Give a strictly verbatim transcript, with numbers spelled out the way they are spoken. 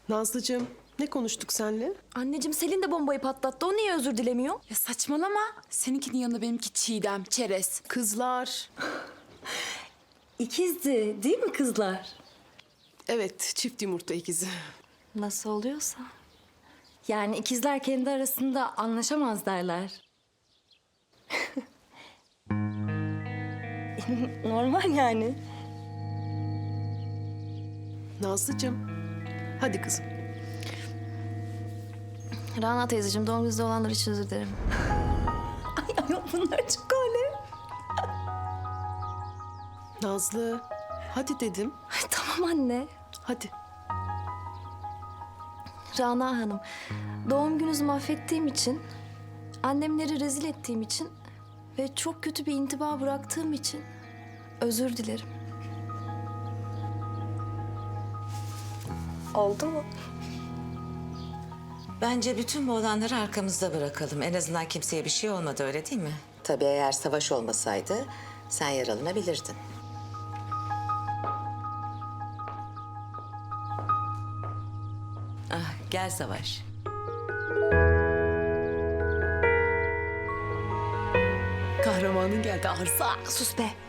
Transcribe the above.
Nazlıcığım, ne konuştuk seninle? Anneciğim Selin de bombayı patlattı. O niye özür dilemiyor? Ya saçmalama. Seninkinin yanında benimki Çiğdem, çerez. Kızlar. İkizdi değil mi kızlar? Evet, çift yumurta ikizi. Nasıl oluyorsa. Yani ikizler kendi arasında anlaşamaz derler. Normal yani. Nazlıcığım, hadi kızım. Rana teyzeciğim doğum gününüzde olanlar için özür dilerim. Ay ay bunlar çok öyle. Nazlı, hadi dedim. Ay, tamam anne. Hadi. Rana Hanım, doğum gününüzü mahvettiğim için, annemleri rezil ettiğim için ve çok kötü bir intiba bıraktığım için özür dilerim. Oldu mu? Bence bütün bu olanları arkamızda bırakalım. En azından kimseye bir şey olmadı, öyle değil mi? Tabii eğer savaş olmasaydı sen yaralanabilirdin. Ah, gel Savaş. Kahramanın geldi arsa. Sus be.